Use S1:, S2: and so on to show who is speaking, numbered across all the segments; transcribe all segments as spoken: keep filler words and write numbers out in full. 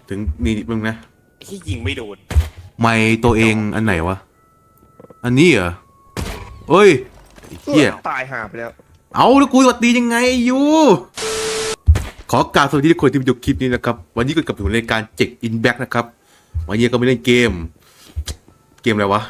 S1: ถึงนี่มึงนะ
S2: ที่ยิงไม่โดน
S1: ไม่ตัวเองอันไหนวะอันนี้เหรอเฮ้ยเฮีย
S3: ตายหาไปแล้ว
S1: เอาแล้วกูสวัสดียังไงยูขอกราบสวัสดีทุกคนที่มาดูคลิปนี้นะครับวันนี้ก็กลับถึงรายการเจ็กอินแบ็กนะครับวันนี้ก็ไม่เล่นเกมเกมอะไรวะ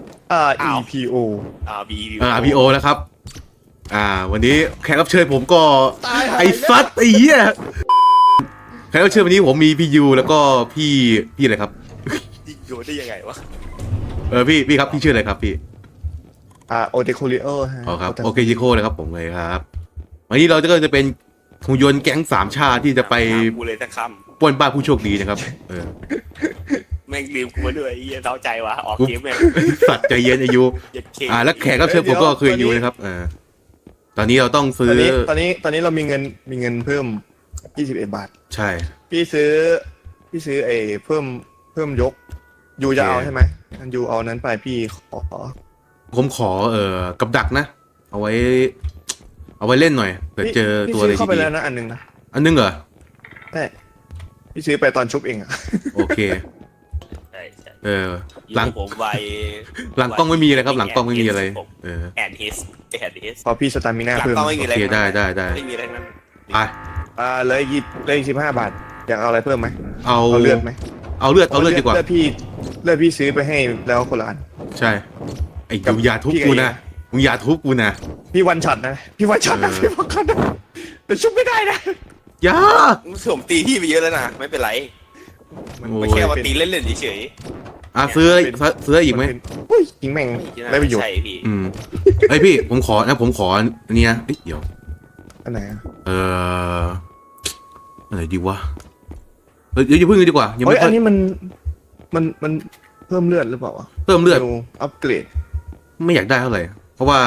S3: R E P O
S2: อ่าบี
S1: อ่า อาร์ พี โอ แล้วครับ อ่า วันนี้แขกรับเชิญผมก็
S3: ตายหา
S1: ไอ้ซัดไอ้เหี้ยแขกรับเชิญวันนี้ผมมีพี่ยูแล้วก็พี่พี่อะไรครับ
S2: ยิงโดนได้ยังไงวะ
S1: เออพี่พี่ครับพี่ชื่ออะไรครับพี่
S3: อ่าโอเดโคลิโอฮะ
S1: อ๋อครับโอเคจิโก้เลยครับผมเลยครับวันนี้เราจะก็จะเป็นหุ่นยนต์แก๊งสามชาติที่จะไป
S2: กูเลยสักค
S1: ปล้นบ้านผู้โชคดีนะครับเออ
S2: ำแม่งลืมกูมาด้วยไอ้เหี้ยเท้าใจวะออกเกมแม่ง
S1: สัตว์ใจเย็นอายุ
S2: ยัดเค
S1: อ่าแล้วแขกรับเชิญผมก็คืออายุนะครับเออตอนนี้เราต้อง
S3: ต
S1: ซื้
S3: อ
S1: อน
S3: นี้ตอนนี้ตอนนี้เรามีเงินมีเงินเพิ่มยี่สิบเอ็ดบาท
S1: ใช่
S3: พี่ซื้อพี่ซื้อไอ้เพิ่มเพิ่มยกยูจะเอาใช่ไหมยูเอานั้นไปพี่ขอ
S1: ผมขอเอ่อกับดักนะ เอาไว้ เอาไว้เล่นหน่อยเผื่อเจอ
S3: พี่
S1: ตัวอะไร
S3: ซื้อเข้าไป
S1: ดี
S3: แล้วนะอันหนึงนะ
S1: ๆอันนึงเหรอ
S3: ใช่พี่ซื้อไปตอนชุบเองอะ
S1: โอเค
S2: ใช่ใช่
S1: เออ หลัง
S2: อยู่ผมไว
S1: หลังกล้องไม่มีอะไรครับ หลังกล้องไม่มีอะไร เออ
S2: แอนฮิสแอนฮิส
S3: พอพี่สตามิน่า
S2: หลัง
S3: เพิ่ม
S2: กล้องไม่มี
S1: โอ
S2: อะไร
S1: เคได้ได้ได้
S2: ไม่มีอะไรนั้น
S1: ไป
S3: อ่าเลยยี่เลยสิบห้าบาทอยากเอาอะไรเพิ่มไหม
S1: เอา
S3: เอาเลือดไหม
S1: เอาเลือดเอาเลือดดีกว่า
S3: เลือดพี่เลือดพี่ซื้อไปให้แล้วคนละอัน
S1: ใช่ไอ้
S3: กับ
S1: ยูอย่าทุบ
S3: พี่กับ
S1: กู
S3: เอง
S1: นะมึงอย่าทุบกูนะ
S3: พี่วันช็อตนะพี่วันช็อตนะ
S1: เออ
S3: พี่วันช็อตนะแต่ชุบไม่ได้นะ
S1: อย่า
S2: ผมตีพี่ไปเยอะแล้วนะไม่เป็นไร
S3: มัน
S1: โอ้
S2: มันแค่ว่าตีเล่นๆเฉย
S1: อ่ะซื้อซื้ออีกไหม
S3: นเป็นอุ้ยยิงแม่ง
S2: ๆ
S3: ได้ประโยชน์
S2: ใช่พี่
S1: อืมไอยพี่ผมขอนะผมขออันนี้นะเอ้ยเดี๋ยว
S3: อันไหนอะ
S1: เอออะไรดีวะเฮ้ยเดี๋ยวอย่าเพิ่งเลยดีกว่ายัง
S3: เฮ้
S1: ไม่
S3: ย
S1: ค่
S3: อั
S1: อน ย
S3: นี้มันมันมันเพิ่มเลือดหรือเปล่าวะ
S1: เพิ่มเลือด
S3: อัปเกรด
S1: ไม่อยากได้เท่าไหร่เพราะว่า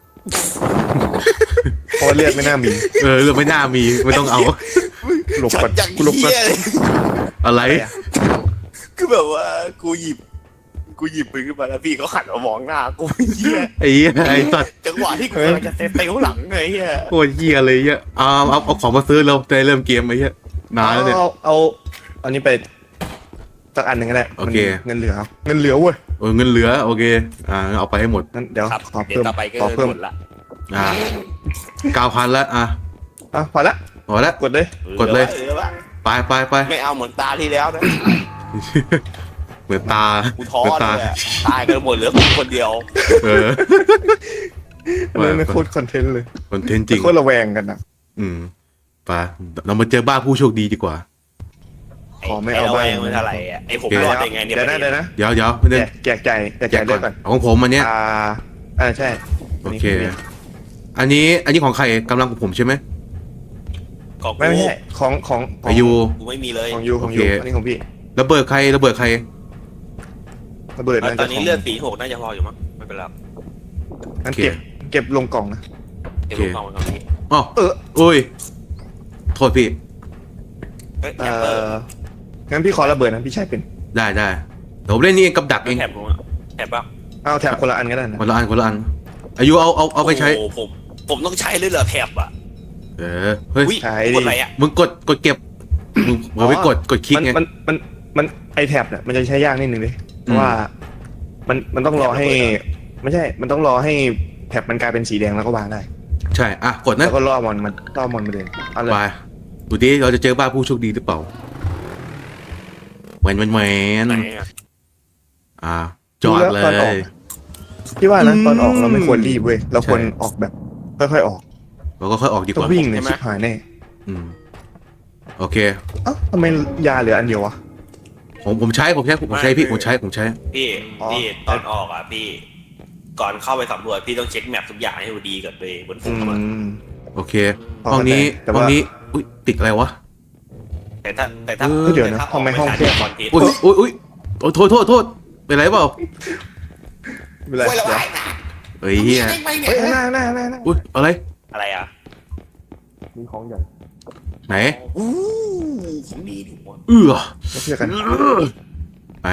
S3: เพราะว่าเลือดไม่น่ามี
S1: เออเรื่องไม่น่ามีไม่ต้องเอา
S3: หลบ
S2: ช็อ
S3: ก่อ
S2: ต
S3: น
S2: อย่าง
S3: กูหลบก่อน
S2: เหี้ยเลย
S1: อะไร
S3: อะไรอะ
S2: คือแบบว่ากูหยิบกูหยิบปืนขึ้นมาแล้วพี่เขาหันมามองหน้ากูเหี้ย
S1: ไอ้เหี้ยไอ้สัตว์
S2: จังหวะที่กูกำลังจะเซฟไปข้างหลังไงเหี้ย
S1: โคตรเหี้ยเลยเหี้ยเอาเอาเอาของมาซื้อเราจะได้เริ่มเกมไอ้เหี้ยนานแล้วเนี่ย
S3: เอาเอาเอาอันนี้ไปสักอันหนึ่งก็ได้
S1: โอเค
S3: มันเงินเหลือเงินเหลือเว้ย
S1: เออเงินเหลือโอเคอ่าเอาไปให้หมด
S3: งั้นเดี๋ยว
S2: ครับ
S3: ขอ
S2: เดี๋ยว
S3: เพิ่ม
S2: ต่อไปก็
S3: ขอเพิ่ม
S2: หมดละ
S1: อ่าเก้าพันแล้วอ่ะ
S3: อ่ะพอละ
S1: พอแล้ว
S3: กดเลย
S1: กดเลย
S2: หลือวะ
S1: ไปไปไป
S2: ไม่เอาเหมือนตาที่แล้วนะ
S1: เหมือนตา
S2: กูท้อ
S1: เหมือน
S2: เล
S1: ตาย
S2: อะตายกันหมดเหลือกูคนเดียว
S1: เออ
S3: อันนี้ไม่โคตรคอนเทนต์เลย
S1: คอนเทนต์จริง
S3: โคตรระแวงกันนะ
S1: อืมไปเรามาเจอบ้านผู้โชคดีดีกว่า
S3: ขอไม่เอา
S2: ไอ้
S3: บ้าง
S2: ระแวงมันเท่าไหร่อะไอ้ผม
S1: โอเค
S2: รอดได้ไงเนี่ย
S3: เดี๋ยวนะเดี๋ยวนะ
S1: เดี๋ยวเดี๋ยวไม่ได้
S3: แจกแจกใจแจก
S1: แจ
S3: ใจ
S1: ก
S3: เลื
S1: ก่
S3: อ
S1: อน
S3: ดก่อน
S1: ของผมอันเนี้ย
S3: อ่าอ่าใช่
S1: โอเค อันนี้อันนี้ของใครกำลังของผมใช่ไหม
S2: ของ
S3: ไม่
S2: กู
S3: ไม่ใช่ของของของ
S1: อายุ
S2: กูไม่มีเลย
S3: ของยูของยู
S1: โอเค
S3: อันนี้ของพี่
S1: ระเบิดใครระเบิดใคร
S3: ระเบิด
S2: ตอน
S3: น่าจะ
S2: นี้
S3: ของ
S2: เลือดสีหกน่าจะพออยู่มั้งไม่เป็นไร
S3: งั้นเก็บเก็บลงกล่องนะ
S2: เดี๋ยวลูกน้องมันก่อนพี่
S1: อ๋อ
S3: เออ
S1: โอ้ยโทษพี่
S2: เฮ้ย
S3: เอ
S2: แถบเปิด
S3: องั้นพี่ขอระเบิดนะพี่ใช้เป็น
S1: ได้ได้เดี๋ยวผมเล่นนี่เองกับดักเอง
S2: แถบกูอะแถบป่ะ
S3: เอาแถบคนละอันก็ได้นะ
S1: คนละอันคนละอันอายุเอาเอาเอาไปใช้
S2: โอ้โหผมผมต้องใช้เลยเหรอแถบอ่ะ
S1: เออเฮ้ย
S2: อุ้ย
S3: ใช้
S2: กด
S3: ดิ
S2: อะไรอ่ะ
S1: มึงกดกดเก็บมึงมึงไปกดกดคลิก
S3: มัน
S1: ไง
S3: มันมันมันไอแท็บเนี่ยมันจะใช้ยากนิดนึงเลยเพราะว่ามันมันต้องรอให้ ไม่ใช่ มันต้องรอให้แท็บมันกลายเป็นสีแดงแล้วก็วางได้
S1: ใช่อ่ะกดนะ
S3: แล้วก็ล่อมอนมันล่อมอนมาเลยเอาเลย
S1: ไปดูดิเราจะเจอบ้านผู้โชคดีหรือเปล่าแหวนแหวนแหวน
S2: ไหนอะ
S1: อ่าจอดเล
S3: ตอนออก
S1: ย
S3: พี่ว่านะ
S1: อืม
S3: ตอนออกเราไม่ควรรีบเว้ยเราควร
S1: ใช่
S3: ออกแบบค่อยๆออก
S1: เราก็ค่อยออกดีก
S3: ต้อง
S1: ว่า
S3: วิ่งเนี่ยชิบหายแน่
S1: อืมโอเค
S3: เอ้าทำไมยาเหลืออันเดียววะ
S1: ผมผมใช้ผมใช้ผมใช้พี่ผมใช้ผมใช้
S2: พี่
S3: อ๋อ
S2: พี่ตอนออกอ่ะพี่ ก่อนเข้าไปสำรวจพี่ต้องเช็คแมปทุกอย่างให้ดูดีก่อนเลยบนฟุ
S3: อื
S2: ตมัน
S3: ม
S1: โอเค
S3: พอ
S1: ห้องนี้
S3: เข้าใจแต่ว่า
S1: ห้องนี้อุ้ยติดอะไรวะ
S2: แต่ถ้าแต่ถ้า
S1: เออ
S3: เดี๋ยวนะ
S2: แต่ถ้า
S3: ทำไมห้องแคบ
S2: คอนเทนต์
S1: อุ้ยอุ้ยอุ้ยโอ้ยโทษโทษโทษเป็นไรเปล่า
S3: ไม่เป็นไร
S2: โอ้ยระ
S3: เดี๋ยว
S2: วายนะ
S1: เฮ้ยเฮีย
S2: ไม่เนี่ย
S3: เฮ้ยหน้าหน้าหน้าหน้า
S1: อุ้ยอะไร
S2: อะไรอ่ะ
S3: มีของใหญ่
S1: ไหน
S2: อู้ของดีดิวะ
S1: เอื้อ
S3: มาเชื่อกัน
S1: ไหน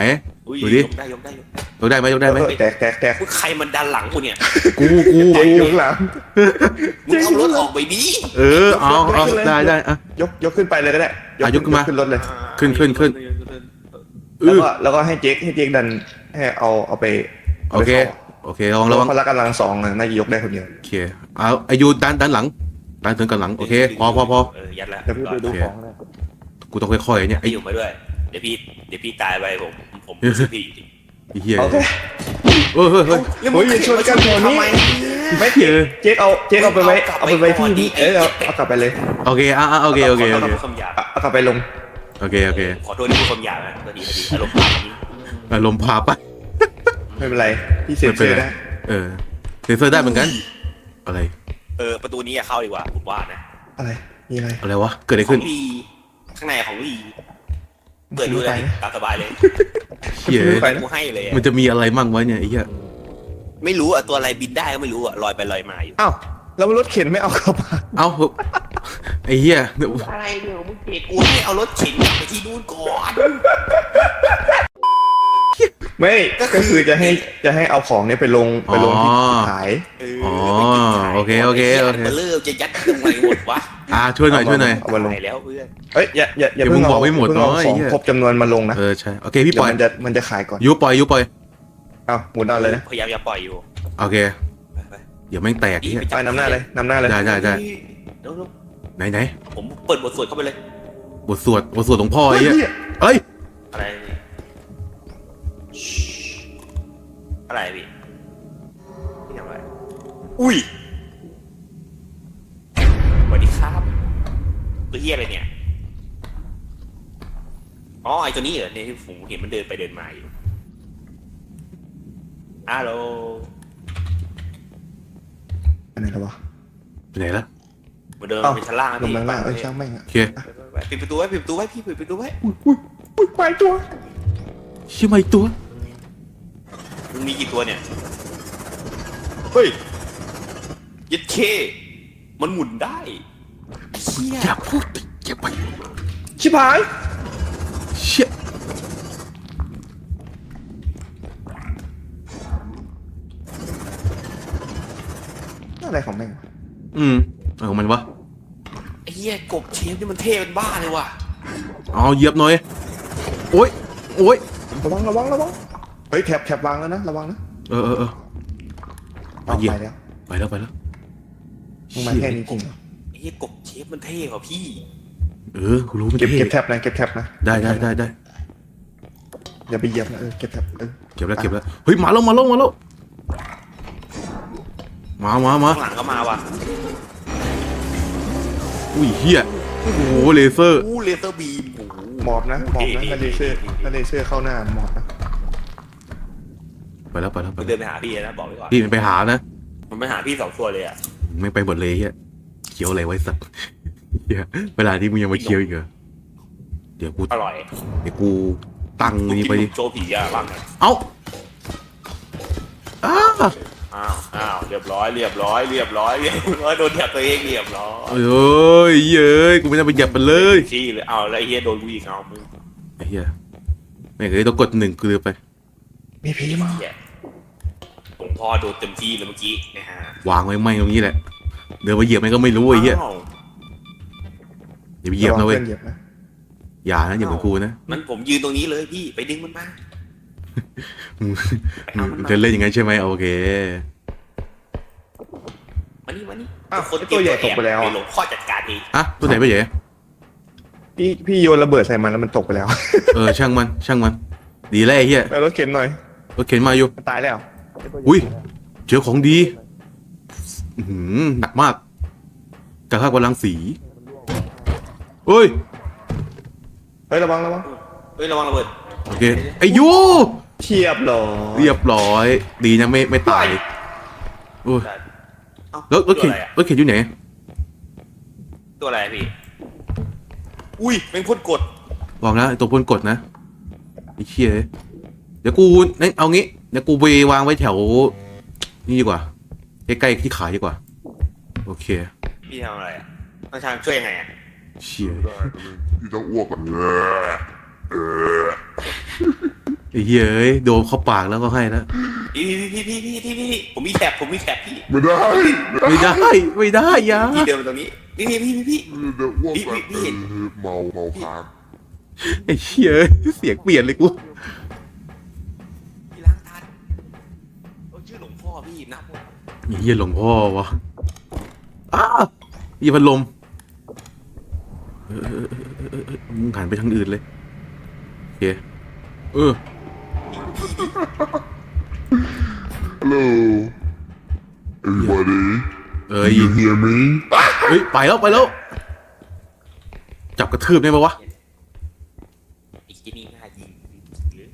S2: อุ้ย
S1: ดูดิ
S2: ยกได้ยกได้ยกได้
S1: ยกได้ไหมยกได้ไหม
S3: เออแตกแตกแตก
S2: มึงใครมันดันหลังกูเนี่ย
S1: กูกู
S3: เจ๊อยู่ข้างหลัง
S2: มึงเอารถออกไปดิ
S1: เออเอาเอาได้ได้อ่ะ
S3: ยกยกขึ้นไปเลยก็ได้
S1: อ่ะยกขึ้นมา
S3: ขึ้นรถเลย
S1: ขึ้นขึ้นขึ้น เอ
S3: แล้ว
S1: อ
S3: ก็แล้วก็ให้เจ๊กให้เจ๊กดันให้เอาเอาไป
S1: โอเคโอเคระวังระวัง
S3: พละกำลังสองน่าจะยกได้คนเดียว
S1: โอเคเอาอายุด้านด้านหลังด้านถึงกันหลังโอเคพอพอพอ
S2: เออยัดละ
S3: เดี๋ยวพี่ไปดูของนะ
S1: กูต้องค่อยๆเนี่ยไอ้
S2: พี่อยู่มาด้วยเดี๋ยวพี่เดี๋ยวพี่ตายไปผมผมซื้อพี่จริง
S1: ไอ้เหี้ย
S3: โอเค
S1: เออเฮ้ยเฮ้ย
S2: แล้ว
S3: โอ้ยอย่าชวนกันแถวนี้
S2: ทำไม
S3: ไม่
S1: เหี้ย
S3: เจ๊กเอาเจ๊กเอาไปไว้
S2: เอากลับ
S3: เอาไปไว้
S2: ไปก่อนดิ
S3: ที่เออเอาเอากลับไปเลย
S1: โอเคอ่ะอ่ะโอเคโอเคโอเค
S2: คำหยาบ
S3: เอาเอากลับไปลง
S1: โอเคโอเค
S2: ขอโทษที่พูดคำหยาบนะพอดีพอดีอารมณ์พาแบบนี้
S1: อารมณ์พาไป
S3: ไม่เป็นไรพี่เซ็น
S1: ไม่เป็น
S3: เซอ
S1: ไร
S3: ร์ได้
S1: เออเซนเซอร์ได้เหมือนกันอะไร
S2: เออประตูนี้อย่าเข้าดีกว่าผมว่านะ
S3: อะไรมีอะไร
S1: อะไรวะเกิดอะไร
S2: ขอ
S1: ขึ้น
S2: งลีข้างในของลีเปิดดูเลยตามสบายเลย
S1: เหี้ย
S3: ไปนะ
S2: กูให้เลยอะ
S1: มันจะมีอะไรมั่งวะเนี่ยไอ้เหี้ย
S2: ไม่รู้อ่ะตัวอะไรบินได้ก็ไม่รู้อ่ะลอยไปลอยมาอยู่
S3: อ้าวแล้วรถเข็นไม่เอาเข้ามา
S1: เอ้าไอ้เหี้ย
S2: อะไรเนี่ยมึงเกตกูให้เอารถเข็นกลับไปที่นู่นก่อน
S3: ไม่
S2: ก็คือ
S3: ก็คือจะให้จะให้เอาของเนี้ยไปลงไปลงที่ขาย
S2: เออ
S1: อ๋อโอเคโอเคโอเค
S2: มันเริ่มจะยัดตรงไหนหมดวะ
S1: อ่าช่วยหน่อยช่วยหน่อย
S3: เอามาลง
S2: ไหนแล้วเพื่อน
S3: เอ้ยอย่าอย่าอย่า
S1: เดี๋ยว
S3: เพิ่ง
S1: มึงบ
S3: เอา
S1: อกไม่หมด
S3: เพิ่งเอา
S1: เนอะไอ้
S3: ของ
S1: เหี้ย
S3: ครบจำนวนมาลงนะ
S1: เออใช่โอเคพี่
S3: เดี๋ย
S1: ปล่
S3: ว
S1: อย
S3: มันจะมันจะขายก่อน
S1: ยุปล่อยยุปล่อย
S3: อ้าวหมุนเอาเลยนะ
S2: พยายามอย่าปล่อยอยู่
S1: โอเค
S2: ไปไป
S1: เดี๋ยวแม่งแตกไอ้เหี้ย
S3: ไปนำหน้าเลยนำหน้าเลย
S1: ได้ได้ได้
S2: เดี๋ยว
S1: ไหนไหน
S2: ๆผมเปิดบทสวดเข้าไปเลย
S1: บทสวดบทสวดหลวงพ่อไอ้เหี้ยเอ้ย
S2: อะไรเนี่ยอะไรพี่พี่ทำอะไรอุ้ยสวัสดีครับตัวเฮียอะไรเนี่ยอ๋อไอตัวนี้เหรอเนี่ยที่ผมเห็นมันเดินไปเดินมาอยู่ฮัลโหล
S3: อันไหนแล้ววะ
S1: ไปไหนละ
S2: มันเดิน
S3: เอ้า
S2: ไปชั้นล่างนะ
S3: ลง
S2: พี่
S3: มาข้างล่างเอ้ยช่างแม่งอะ
S1: โอเค
S2: ปิดประตูไว้ปิดประตูไว้พี่ปิดประตูไว้
S3: อุ้ยอุ้ยอุ้ยไปตัว
S1: เชื่อไหมตัว
S2: มึงมีกี่ตัวเนี่ยเฮ้ยยัดเคมันหมุนได้เชี่ย
S1: อย่าพูดดิอย่าไป
S3: ชิบหาย
S1: เชี่ย
S3: อะไรของแม่งวะ
S1: อืมเอาของมันวะ
S2: ไอ้เหี้ยกบเชฟนี่มันเท่เป็นบ้าเลยว่ะ
S1: เอาเหยียบหน่อยโอ้ยโอ้ย
S3: ระวังระวังระวังเฮ้ยแถบแถบวางแล้วนะระวังนะ
S1: เออเออเออ
S3: เอา
S1: เหยียบ
S3: ไปแล้ว
S1: ไปแล้วไปแล้ว
S3: มึงมาแค่นี้จริงเหรอ
S2: ไอ้เหี้ยกบเชฟมันเท่กว่าพี่
S1: เออกูรู้มัน
S3: เก็บ
S1: เท่
S3: เก็บแถบนะเก็บแถบนะ
S1: ได้ได้ได้ได้
S3: อย่าไปเหยียบนะเออเก็บแถบเออ
S1: เก็บแล้วเก็บแล้วเฮ้ยมาแล้วมาแล้วมาแล้วมามามา
S2: ข้างหลังก็มาว่ะ
S1: อุ้ยเฮียโอ้โหเลเซอร์
S2: อู้เลเซอร์บีมโอ้โห
S3: หมอบนะหมอบนะถ้าเลเซอร์ถ้าเลเซอร์เข้าหน้าหมอบนะ
S1: ไปแล้วไปแล้วไป
S2: มัน
S1: แล้ว
S2: เดินไปหาพี่นะบอกไว้ก่อน
S1: พี่มันไปหานะ
S2: มันไปหาพี่สองตัวเลยอ่ะ
S1: ไม่ไปหมดเลยเฮียเคี้ยวอะไรไว้สัตว์เฮียเวลาที่มึงยังมาเคี้ยวอีกเหรอเดี๋ยวกู
S2: อร่อย
S1: เดี๋ยวกูตั้งนี่ไปดิ
S2: โชว์ผีอ่ะบ้างนะ
S1: เอ้าอ้า
S2: อ้าวอ้าวเรียบร้อยเรียบร้อยเรียบร้อยเรียบร้อยโดนแถบตัวเองเรียบร้อย
S1: เอ้ยเย้ยกูไม่ได้ไปเหยียบมันเลย
S2: ชี้เลยเอาแล้วไอ้เฮียโดนกูอีกเอามึง
S1: ไอ้เฮียไม่เคยต้องกดหนึ่งกูเลยไป
S3: มีผีมา
S2: เหี้ยหลวงพ่อโดนเต็มที่เลยเมื่อกี้นะฮะ
S1: วางไว้ไม่ตรงนี้แหละเดินไปเหยียบมันก็ไม่รู้ไอ้เหี้ย
S2: อ้าว
S1: อย่าไปเหยียบนะเว้ย
S3: ระวังพื่อเหยียบนะ
S1: อย่านะอย่าเหมือนกูนะ
S2: มันผมยืนตรงนี้เลยพี่ไปดึงมันมา
S1: มึง
S2: ไปเอามัน
S1: มึง
S2: มา
S1: จะเล่นอย่างนั้นใช่ไหมโอเค
S2: มานี่มานี่
S3: อ้าว
S2: คน
S3: ไอ้ตัวใหญ่ตกไปแล้ว
S2: เดี๋
S3: อะ
S2: ยวหลวงพ่อจัดการเอง
S1: อ่ะตัวไหนไปเหย
S3: พี่พี่โยนระเบิดใส่มันแล้วมันตกไปแล้ว
S1: เออช่างมันช่างมัน ดีแล้วไอ้เหี้ย
S3: ไปรถเข็นหน่อย
S1: รถเข็นมาอยู่
S3: มันตายแล้ว
S1: อุ้ยเจอของดีอื้อหือหนักมากกระทากพลังสีเฮ้ย
S3: เฮ้ยระวังระวัง
S2: เฮ้ยระวังระเบิด
S1: โอเคไอ้ยู
S3: เทียบเหรอ
S1: เรียบร้อย ดีนะไม่ไม่ตายโอ้ย
S2: เอ้าร
S1: ถรถเข็น
S2: ตัวอะไรอะ
S1: รถเข็นอยู่ไหน
S2: ตัวอะไรอะพี่อุ้ยเป็นพ่นกด
S1: วางนะไอ้ตัวพ่นกดนะไอ้เชี่ยเดี๋ยวกูนี่เอางี้เดี๋ยวกูไปวางไว้แถวนี่ดีกว่าใกล้ๆที่ขายดีกว่าโอเค
S2: พี่ทำอะไรอ่ะต้องทางช่วยยังไงอ่ะ
S1: เชี่ย
S4: พี่ต้องอ้วกก่อนเออเออ
S1: ไอ้เหี้ยเอ้ยโดนเข้าปากแล้วก็ให้แล้ว
S2: พี่พี่พี่พี่พี่พี่พี่ผมมีแถบผมมีแถบพี่
S4: ไม่ได้
S1: ไม่ได้ไม่ได้อยา
S2: พี่เดินมาตรงนี้พี่พี่พี่พี่พี่
S4: เดี๋ยวอ้วก
S2: พี่
S4: ไป
S2: พี่พี่เห็น
S4: เมาเมาค้าง
S1: ไอ้เหี้ยเอ้ยเสียงเปลี่ยนเลยกู
S2: พี่ล้างทันโอ้ชื่อหลวงพ่อพี่นับหมด
S1: ไอ้เหี้ยหลวงพ่อวะอ้าไอ้พัดลมเออเออเออเออเออเออมึงหันไปทางอื่นเลยโอเคเออ
S4: ฮัลโหล everybody
S1: เอ้ย
S4: you hear me
S1: เฮ้ยไปแล้วไปแล้วจับกระทืบได้ไหมวะ
S2: ไอ้ที่นี่ง่ายยิงหรือ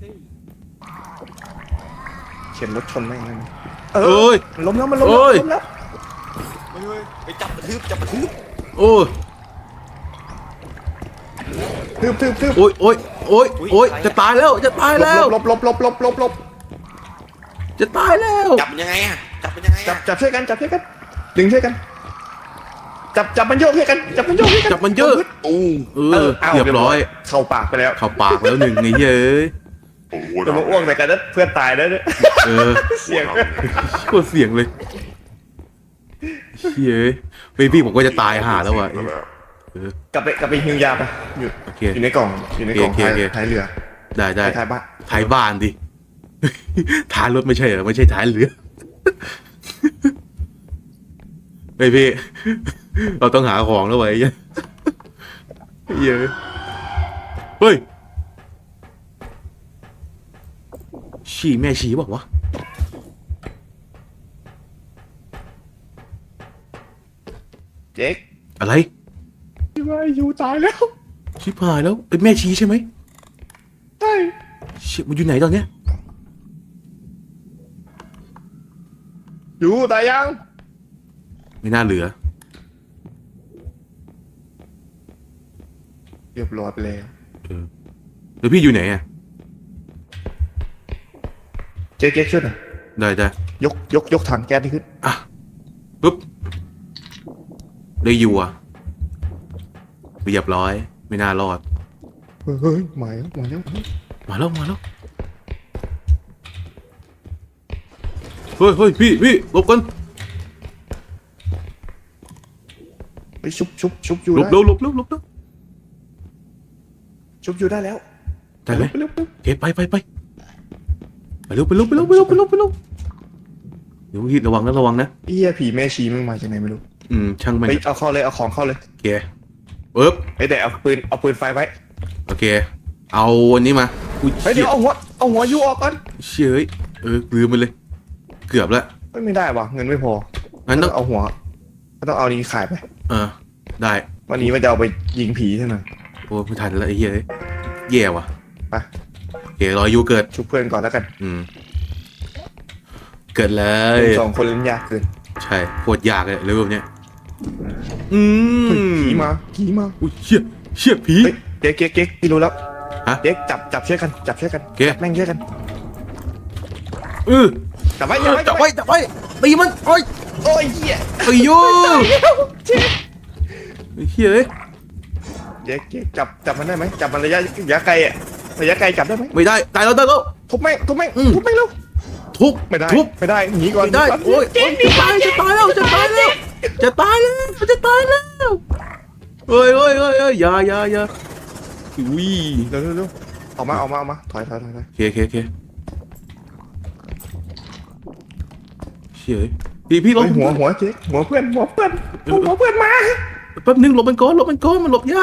S3: เข็นรถชนแม่งนั่น
S1: เอ้ย
S3: มันล้มแล้วมันล้ม
S1: โอ้
S3: แล้ว
S1: ย
S3: ล้มแล้ว
S2: เฮ้ยไปจับกระทืบจับกระทืบ
S1: โอ้ย
S3: ทึบทึบทึบ
S1: โอ้ยโอ้ยโอ้ยโอ้ยจะตายแล้วจะตายแล้ว
S3: ลบลบลบลบลบลบ
S1: จะตายแล้ว
S2: จับมันยังไงอะจับมันยังไง
S3: จั
S2: อะ
S3: บจับช่วยกันจับช่วยกันดึงช่วยกัน จับจับมันโยกช่วยกันจับมันโยกช่วยกัน
S1: จับมันเยอะ
S3: โอ้
S1: เออ
S3: อา
S1: เรียบร้อย
S3: เข้าปากไปแล้ว
S1: เข้าปากแล้วหนึ่งไงเย้ย
S4: โอ้โห
S3: จะมาอ้วกใส่กันนะเพื่อนตายแล้วเนี่ย
S1: เออ
S3: เสียง
S1: โคตรเสียงเลยเย้ยเบบี้ผมก็จะตายห่าแล้วว่ะ
S4: นั่นแหละ
S3: กลับไปกลับไปฮิวยาไปอยู่
S1: โอเค
S3: อยู่ในกล่องอยู่ในกล่อง
S1: โอเค
S3: ท้าย
S1: โอเค
S3: ท้ายเรือ
S1: ได้ได้
S3: ท้ายบ้าน
S1: ท้ายบ้านดิ ท้ายรถไม่ใช่เหรอไม่ใช่ท้ายเรือเฮ้ยพี่ เราต้องหาของแล้วไว้ยเย้ยเฮ้ยฉี่แม่ฉี่บอกวะ
S3: เจ๊ก
S1: อะไร
S3: ที่ว่าอยู่ตายแล้ว
S1: ชิบหายแล้วเป็นแม่ชีใช่ไหม
S3: ใช่
S1: เชี่ยมันอยู่ไหนตอนเนี้ย
S3: อยู่ตายยัง
S1: ไม่น่าเหลือ
S3: เรียบร้อยไปแล้ว
S1: เออแล้วพี่อยู่ไหนอ่ะ
S3: เจ๊กเจ๊กช่วยหน่อย
S1: ได้ได้
S3: ยกยกยกถังแก๊สนี่ขึ้น
S1: อ่ะปุ๊บได้อยู่อ่ะเรียบร้อย ไม่น่ารอด
S3: เฮ้ยเฮ้ยหมายแล้วหมายแล้ว
S1: มาแล้วมาแล้วเฮ้ยเฮ้ยพี่พี่หลบกัน
S3: ไปชุบชุบชุบอยู่
S1: หลบ
S3: ได้
S1: เร็วหลบเร็วหลบเร็ว
S3: ชุบอยู่ได้แล้ว
S1: ได้ไหม
S3: ไปเร็วไปเร็ว
S1: โอเคไปไปไปไปเร็วไปเร็วไปเร็วไปเร็วไปเร็วไปเร็วเดี๋ยวพี่ระวังนะระวังนะ
S3: เอี้ยผีแม่ชีมึงมาจากไหนไม่รู้
S1: อืมช่างมัน
S3: ไปเอาเข้าเลยเอาของเข้าเลย
S1: โอเคปึ๊บ
S3: ไอ้แต่เอาปืนเอาปืนไฟไว้
S1: โอเค เอาวันนี้มาอุ้ย
S3: เฮ้ย
S1: เชี่
S3: เดี๋
S1: ย
S3: ยวเอาหัวเอาหัวยูออกก่อน
S1: เชี่ยเอ้ยเออลืมไปเลย เกือบแล้ว
S3: เฮ้ยไม่ได้ว่ะเงินไม่พอ
S1: งั้นต้อง
S3: เอาหัวก็ต้องเอานี้ขายไป
S1: เออได้
S3: วันนี้มันจะเอาไปยิงผีเท่านั้น
S1: โอ้ไม่ทันแล้วไอ้เหี้ยเอ้ยแย่ว่ะ
S3: ไป
S1: โอเครอยูเกิด
S3: ชุบเพื่อนก่อนแล้วกัน
S1: อืม เกิดเลย
S3: สองคนเล่นยากเกิน
S1: ใช่โคตรยากเลยเรื่องแบบเนี้ยอืม
S3: เฮ้ยผีมาผีมา
S1: อุ้ยเชี่ยเชี่ยผี
S3: เฮ้ยเจ๊กเจ๊กเจ๊กพี่รู้แล้ว
S1: ฮะ
S3: เจ๊กจับจับช่วยกันจับช่วยกัน
S1: โอเค
S3: จับแม่งช่วยกัน
S1: เออ
S3: จับไว้จับไว้
S1: จับไว้จับไว้ตีมันโอ้ย
S3: โอ้ยเหี้ย
S1: ตีอยู่
S3: เจ๊ก
S1: ไอ้เหี้ยเอ้ย
S3: เจ๊กเจ๊กจับจับมันได้ไหมจับมันระยะระยะไกลอะระยะไกลจับได้ไหม
S1: ไม่ได้ตายแล้วตายแล้ว
S3: ทุบแม่งทุบแม่ง
S1: อืม
S3: ทุบแม่งเร็ว
S1: ทุบ
S3: ไม่ได้
S1: ทุบ
S3: ไม่ได้หนีก่อน
S1: ไม่ได้
S3: หนีก่น
S1: โอ้ย
S3: เจ๊
S1: โอ้
S3: ก
S1: ย
S3: หนี
S1: จะตายจะตายแล้วจะตายแล้วจะตายแล้วจะตายแล้วเฮ้ยเฮ้ยเฮ้ยเฮ้ยอย่าอย่าอย่าอุ้ย
S3: เร็วเร็วเร็วออกมาออกมาออกมาถอยถอยถอยถอย
S1: โอเคโอเคโอเคเชี่ยเอ้ยพี่พี่ล
S3: เฮ้
S1: ง
S3: ยหัวหัวเจ๊กหัวเพื่อนหัวเพื่อนหัวเพื่อนมา
S1: แป๊บนึงหลบมันก่อนหลบมันก่อนมันหลบยาก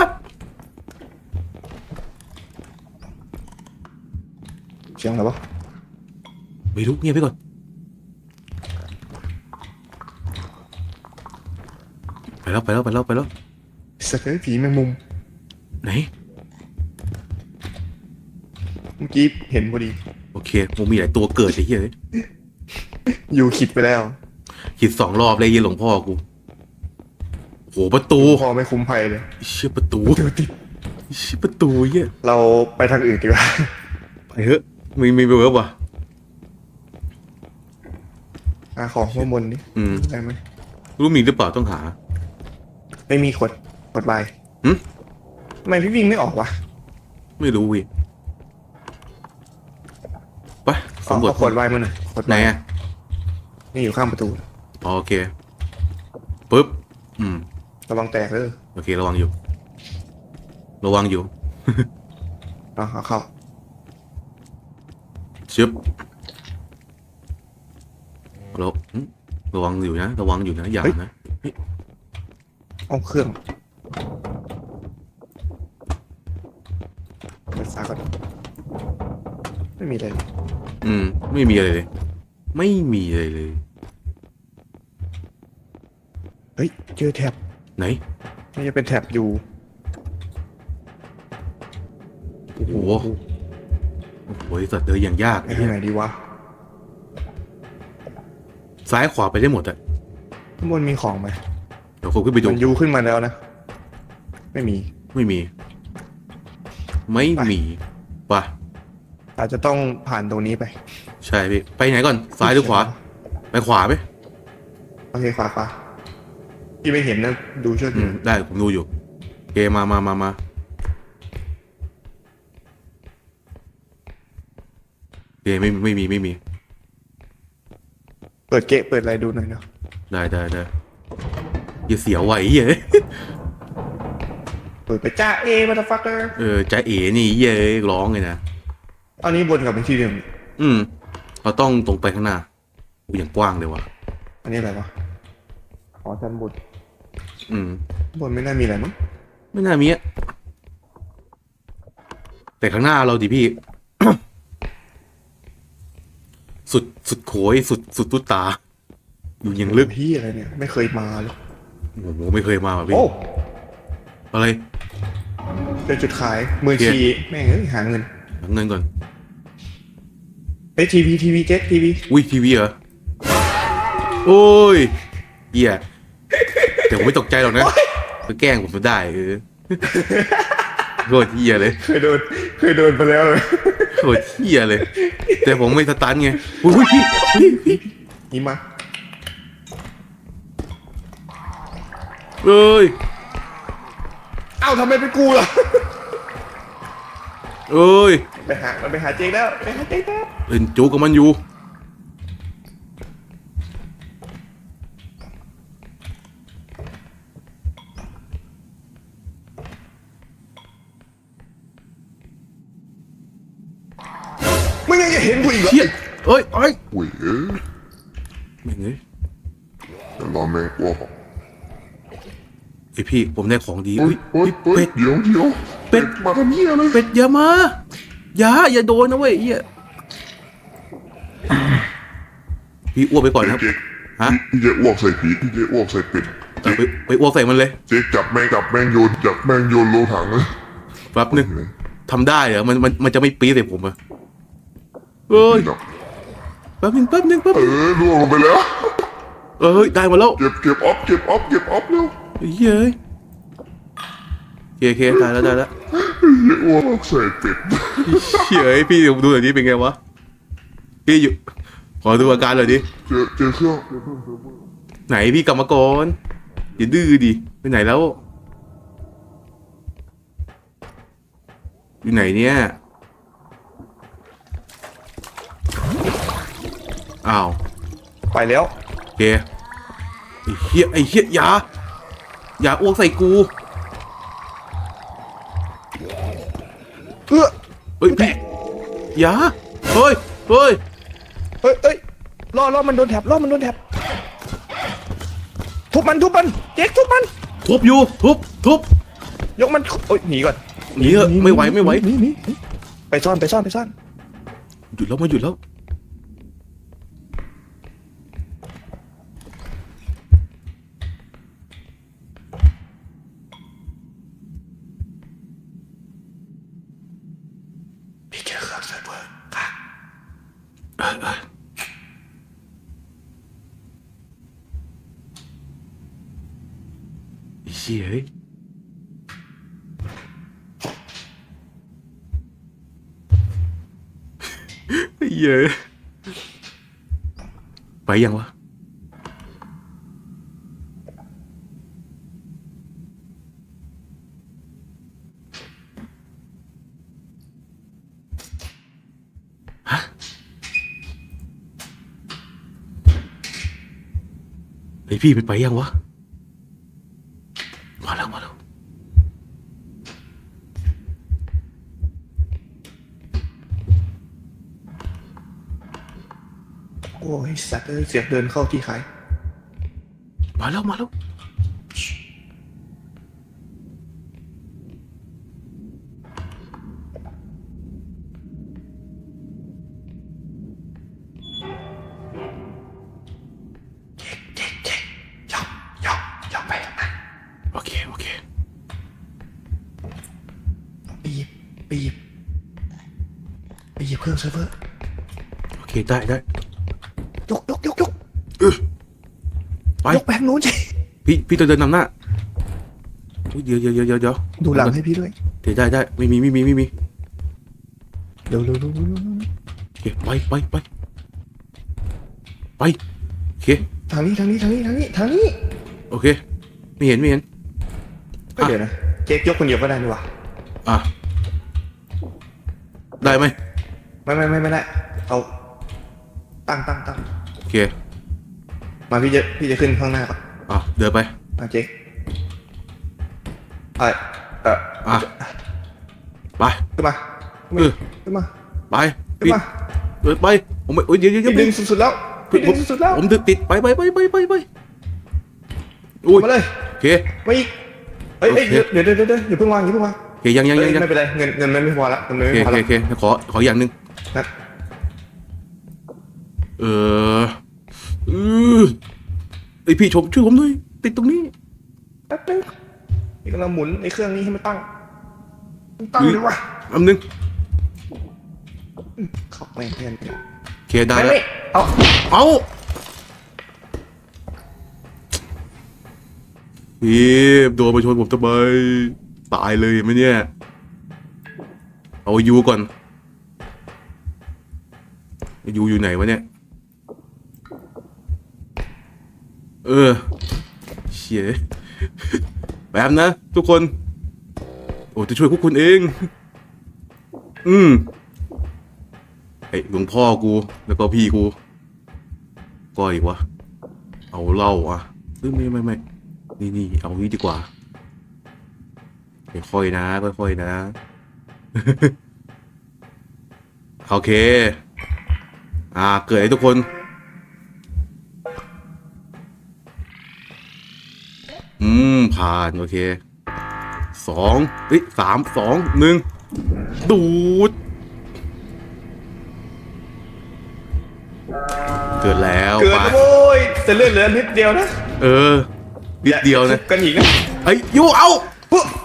S3: เสียงอะไรวะ
S1: ไม่รู้เงียบไปก่อนไปแล้วไปแล้วไปแล้วไปแล้ว
S3: สักเอ้ยผีแมงมุม
S1: ไหน
S3: เมื่อกี้เห็นพอดี
S1: โอเคมันมีหลายตัวเกิดไอ้เหี้ยเอ้ย
S3: อยู่ขิดไปแล้ว
S1: ขีดสองรอบเลยยี่หลวงพ่อกูโหประตู
S3: พอไม่คุ้มภัยเลย
S1: เชี่ยประตู
S3: เดี๋ยวติด
S1: เชี่ยประตูเหี้ย
S3: เราไปทางอื่นดีกว่า
S1: ไปเถอะมีมีเวิร์บว่ะ
S3: หาของข้างบนนี่
S1: อืม
S3: ได้ไหม
S1: รู้มีหรือเปล่าต้องหา
S3: ไม่มีขวดขวดใบ
S1: หึ
S3: ทำไมพี่วิ่งไม่ออกวะ
S1: ไม่รู้วิสำรวจ
S3: เอาขวดไวน์มาหน่อยขวด
S1: ไหน
S3: ไวน์
S1: อ่ะ
S3: นี่อยู่ข้างประตู
S1: อ๋อโอเคปุ๊บอืม
S3: ระวังแตกเด้อ
S1: โอเคระวังอยู่ ระวังอยู่
S3: เอาเอาเข้า
S1: ชึบระอืมระวังอยู่นะระวังอยู่นะอย่านะ
S3: เอาเครื่องเปิดฝาก่อนไม่มีอะไรเลย
S1: อืมไม่มีอะไรเลย ไม่มีอะไรเลย
S3: เฮ้ยเจอแท็บ
S1: ไหน
S3: ไม่จะเป็นแท็บอยู่
S1: โอ้โหโอ้โหสัตว์เดินอย่างยาก
S3: ไปทางไหนดีวะ
S1: ซ้ายขวาไปได้หมดอะ
S3: ข้างบนมีของไหม
S1: เดี๋ยวผมขึ้นไปดู
S3: มันยูขึ้นมาแล้วนะ ไม่มี
S1: ไม่มี ไม่มีป่ะ
S3: อาจจะต้องผ่านตรงนี้ไป
S1: ใช่พี่ไปไหนก่อนซ้ายหรือขวา ไปขวาไหม
S3: โอเคขวาขวาที่ไม่เห็นนะดูช่วย
S1: อื
S3: ดู
S1: มได้ผมดูอยู่โอเคมามามามาโอเคไม่ไม่มีไม่มี
S3: เปิดเกะเปิดอะไรดูหน่อยเนาะ
S1: ได้ได้ได้อย่าเสียวไหวเย้ย
S3: เปิดไปจ้าเอมาตฟักเกอร์
S1: เออใจเอ๋นี่เย้ยร้องเลยนะ
S3: อันนี้บนกับเป็นที่เดิม
S1: อืมเราต้องตรงไปข้างหน้าอูอย่างกว้างเลยว่ะ
S3: อันนี้อะไรวะอ๋อชั้นบน
S1: อืม
S3: บนไม่น่ามีอะไรมั้ง
S1: ไม่น่ามีอะแต่ข้างหน้าเราดิพี่ สุดสุดโขยสุดสุดตุ๊ตา อยู่อย่างลึก
S3: พี่อะไรเนี่ยไม่เคยมาเลย
S1: โอ้โหไม่เคยมาว่ะพี่
S3: โอ้
S1: อะไร
S3: เจอจุดขายมือชีแม่งเอ้ยหาเงิน
S1: หาเงินก่อน
S3: เอ้ยทีวีทีวีเจ็ตทีวี
S1: อุ้ยทีวีเหรอโอ้ยเหี้ยแต่ผมไม่ตกใจหรอกนะไปแกล้งผมก็ได้เออโคตรเหี้ยเลย
S3: เคยโดนเคยโดนไปแล้วเลย
S1: โคตรเหี้ยเลย แต่ผมไม่สตันไงอุ้ยพี่พี่พี่
S3: นี่มา
S1: เอ้ย
S3: เอ้าทำไมเป็นกูล่ะ
S1: เอ้ย
S3: ไปหามันไปหาเจ๊งแล้วไปหาเจ๊งแล้ว
S1: เล่นจูกับมันอยู่
S3: มึงยังจะเห็นกูอีกเหรอ
S1: เฮียเอ้ยเอ้ย
S4: เว้ยเอ้ย
S1: แม่งเอ้ย
S4: เดี๋ยวรอแม่งว่า
S1: ไอพี่ผมได้ของดี
S4: เฮ้
S1: อุ้
S4: ย
S1: ย
S4: เฮ้ยเฮ้
S1: เป็
S4: ย
S1: ด
S4: เดี๋ยวเดี๋ยว
S1: เป็ด
S4: มาทำเหี้ยเลย
S1: เป็ดอย่ามาอย่าอย่าโดนนะเว้ยเฮียพี่อ้วกไปก่อนนะครับ
S4: เจ๊
S1: ฮะ
S4: พี่เจ๊อ้วกใส่ผีพี่เจ๊อ้วกใส่เป็ด
S1: เออไปไปอ้วกใส่มันเลย
S4: เจ๊จับแม่งจับแม่งโยนจับแม่งโยนโลถังเลย
S1: แป๊บนึงทำได้เหรอมันมันมันจะไม่ปี๊ดใส่ผมอะเอ้ย
S4: นี่เนาะ
S1: แป๊บนึงแป๊บนึงแป๊บ
S4: เอ
S1: นึง
S4: อล่วงลงไปแล้ว
S1: เอ้ยได้มาแล้ว
S4: เก็บเก็บออฟเก็บออฟเก็บออฟเร็ว
S1: เฮ้ยเอ้ยโอเคโอเคได้แล้วได้แล้ว
S4: เจ๊อ้วกใส่เป็ด
S1: เฮ้ยพี่ดูหน่อยดิเป็นไงวะพี่อยู่ขอดูอาการหน่อยดิ
S4: เจอเจอเครื่องเจอเครื่องเซิร์ฟเวอร์
S1: ไหนพี่กลับมาก่อนอย่าดื้อดิไปไหนแล้วอยู่ไหนเนี่ยอ้าว
S3: ไปแล้ว
S1: โอเคไอ้เหี้ยไอ้เหี้ยอย่าอย่าอ้วกใส่กู
S3: เออ
S1: เฮ้ยพี่อย่าเฮ้ยเฮ้ย
S3: เฮ้ยเฮ้ยล่อล่อมันโดนแท็บล่อมันโดนแท็บทุบมันทุบมันเจ๊กทุบมัน
S1: ทุบอยู่ทุบทุบ
S3: ยกมันโอ้ยหนีก่อน
S1: หนีเถอะไม่ไหวไม่ไหว
S3: หนีหนีหนีไปซ่อนไปซ่อนไปซ่อน
S1: หยุดแล้วมาหยุดแล้ว
S3: พี่เจอเครื่องเซิร์ฟเวอร์ค่ะ
S1: ไอ้เชี่ยเฮ้ยไอ้เหี้ยไปยังวะฮะไอพี่มันไปยังวะมาแล้วมาแล้ว
S3: โอ้ยสัตว์เอ้ยเสียงเดินเข้าที่ขาย
S1: มาแล้วมาแล้วโอเคโอเค
S3: ไปหยิบไปหยิบไปหยิบเครื่องเซิร์ฟเวอร์
S1: โอเคได้ได้
S3: ยกยกยกยก
S1: ไป
S3: ยกแบงค์นู้นสิ
S1: พี่พี่ต้องเดินนำหน้าอุ๊ยเดี๋ยวเดี๋ยวเดี๋ยวเดี๋ยวเดี๋ยว
S3: ดูหลังให้พี่ด้วย
S1: เดี๋ยวได้ได้ไม่มีไม่มีไม่มี
S3: เร็วเร็วเร็วเร็วเร็ว
S1: โอเคไปไปไปไปโอเค
S3: ทางนี้ทางนี้ทางนี้ทางนี้ทางนี้
S1: โอเคไม่เห็นไม่เห็น
S3: เฮ้ยเดี๋ยวนะเจ๊กยกคนเดียวก็ได้นี่หว่า
S1: อ่ะได้ไหม
S3: ไม่ไม่ไม่ไม่ได้เอาตั้งตั้งตั้ง
S1: โอเค
S3: มาพี่จะพี่จะขึ้นข้างหน้าก่อน
S1: อ่ะเดินไป
S3: มาเจ๊กไอ้เออ
S1: อ่ะไป
S3: ขึ้นมา
S1: เออ
S3: ขึ้นมา
S1: ไป
S3: ขึ้น
S1: พี่
S3: มา
S1: เดินไปผมไม่โอ้ยเดี๋ยวเดี๋ยวเดี๋ยว
S3: พี่ดึงสุดๆแล้วพี่ดึงสุดๆแล้ว
S1: ผมดึงติดไปไปไปไปไปไปอุ้ย
S3: มาเลย
S1: โอเค
S3: มาอีกเฮ้ยเฮ้ย
S1: โอเค
S3: เดี๋ยวเดี๋ยวเดี๋ยวเดี๋ยวอย่าเพิ่งวางอย่าเพิ่งวาง
S1: โอเคยังยังยัง
S3: เอ้ย
S1: ยัง
S3: ไม่เป็นไรเงินเงินมันไม่พอละเงินมัน
S1: โอเค
S3: ไม่พอ
S1: โอ
S3: ละ
S1: เคโอเคขอขออย่างหนึ่ง
S3: นะ
S1: เออเออไอพี่ชมช่วยผมหน่อยติดตรงนี้
S3: แป๊บนึงนี่กำลังหมุนไอ้เครื่องนี้ให้มันตั้งมันตั้งเลยวะ
S1: อันนึง
S3: เข้าแม่งเพื่อน
S1: โอเคได้
S3: ไม่
S1: แล้ว
S3: ไม่เอา
S1: เอาพี่โดนมาชนผมทำไมตายเลยเห็นไหมเนี่ยเอายูก่อนยูอยู่ไหนวะเนี่ยเออเชี่ยแบบนะทุกคนโอ้จะช่วยพวกคุณเองอืมไอ้หลวงพ่อกูแล้วก็พี่กูก็อีกวะเอาเหล้าอ่ะเอ้ยไม่ไม่ไม่นี่นี่เอานี้ดีกว่าค่อยๆนะค่อยๆนะ โอเคอ่าเกิดให้ทุกคนอืมผ่านโอเคสองเฮ้ยสามสองหนึ่งดูดเกิดแล้ว
S3: เกิด
S1: ไป
S3: แล้วโว้ยจะเลื่อนเหลือนิดเดียวนะ
S1: เออนิดเดียวนะ
S3: อาทุบกันอีกนะ
S1: ไอ้ยยูเอา
S3: ปุ๊บ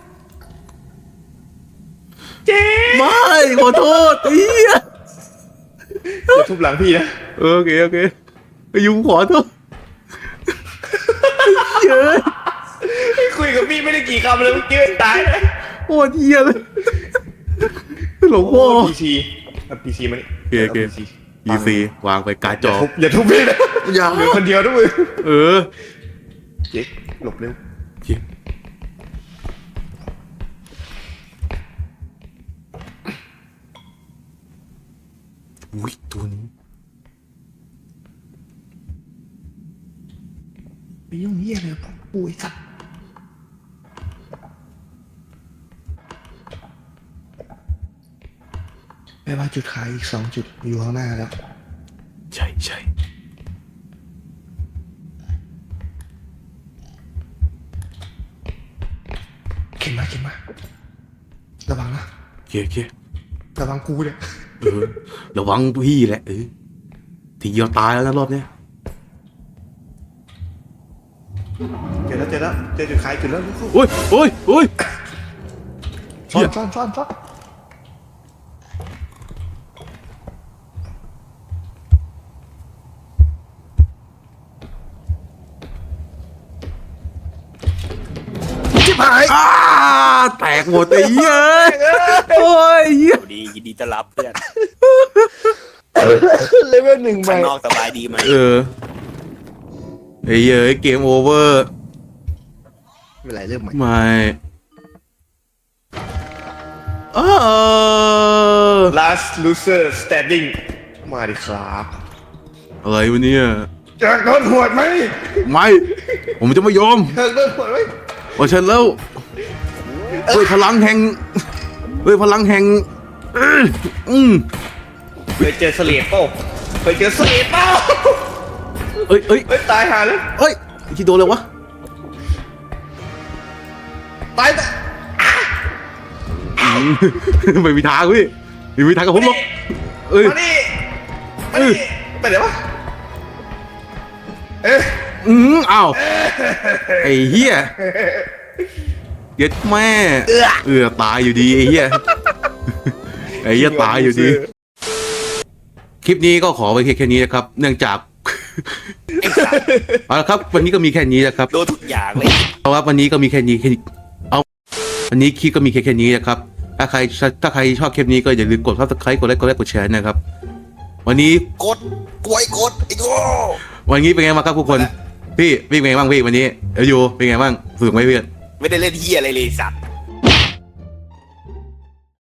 S3: เจ๊
S1: ไม่ขอโทษไอ้เหี้ย
S3: อย่าทุบหลังพี่นะ
S1: เออโอเคโอเคไอ้ยูขอโทษเยอะ
S3: คุยกับพี่ไม่ได้กี่คำเลยเมื่อกี้ตายเลย
S1: โคตรเหี้ยเลยหลวงพ่อ
S3: พีซีพีซีมานี่
S1: โอเคโอเค อีซีวางไปการ์ดจ
S3: อย่า
S1: อ
S3: ทุบอย่าทุบพี่นะ
S1: อย่า
S3: เหลือคนเดียวด้วยมึง
S1: เออ
S3: เจ๊หลบเร็ว
S1: โอเคอุ้ยตัวนี้
S3: ไปยุ่งเยี่ยเลยผมปุยสัตว์แปลว่าจุดขายอีกสองจุดอยู่ข้างหน้าแล้ว
S1: ใช่ใช่
S3: เข็นมาเข็นมาระวังนะ
S1: โอเคโอเค
S3: ระวังกูเนี่ย
S1: เออระวังพี่แหละเออทีเดียวตายแล้วนะรอบเนี้ย
S3: เจอแล้วเจอแล้วเจอจุดขายจุดแล้วลูก
S1: โอ้ยโอ้ยโอ้ย
S3: ซ่อนซ่อนซ่อนซ่อนชิบหาย
S1: อ้าแตกหมดไอ้เหี้ยโอ้ยเหี้ย
S2: สวัสดียินดีต้อนรับเพื่อน
S3: เลเวลหนึ่งไป
S2: ข้างนอกสบายดีไหม
S1: เออไอ้เหี้ยเกมโอเวอร์
S3: ไม่เป็นไรเริ่มใหม่
S1: ไม่เออ
S3: last loser standing มาดิครับ
S1: อะไรวะเนี่ย
S3: อยากโดนหวดไหม
S1: ไม่ ผมจะไม่ยอม
S3: อยากโดนหวดไหม
S1: โอ้เชิญแล้วด้วยพลังแห่งด้วยพลังแห่งอืมอืม
S3: เคยเจอสเลดเปล่าเคยเจอสเลดเปล่า
S1: เอ้ยเอ้ย
S3: เฮ้ยตายหาเลย
S1: เอ้ยที่โดนเลยวะ
S3: ตายแต่
S1: อืมไม่มีทางพี่ไม่มีทางกับผมหรอกเอ้ย
S3: มาดิมาดิไปไหนวะเอ๊ะ
S1: อืมอ้าวไอ้เหี้ยเย็ดแม่เออตายอยู่ดีไอ้เหี้ยไอ้เหี้ยตายอยู่ดี คลิปนี้ก็ขอไปแค่นี้นะครับ เนื่องจาก เอาละครับ วันนี้ก็มีแค่นี้นะครับ
S2: โดนทุกอย่างเลย
S1: เพราะว่าวันนี้ก็มีแค่นี้แค่นี้เอาวันนี้คลิปก็มีแค่แค่นี้นะครับ ถ้าใครถ้าใครชอบคลิปนี้ก็อย่าลืมกด ซับสไครบ์ กดไลค์กดไลค์กดแชร์นะครับ วันนี้
S2: กดกวยกดไอ้โง่
S1: วันนี้เป็นไงบ้างครับทุกคน พี่พี่เป็นไงบ้างพี่วันนี้เอลยูเป็นไงบ้างสนุกไหมเพื่อน
S2: ไม่ได้เล่นเฮียอะไรเลยสัตว์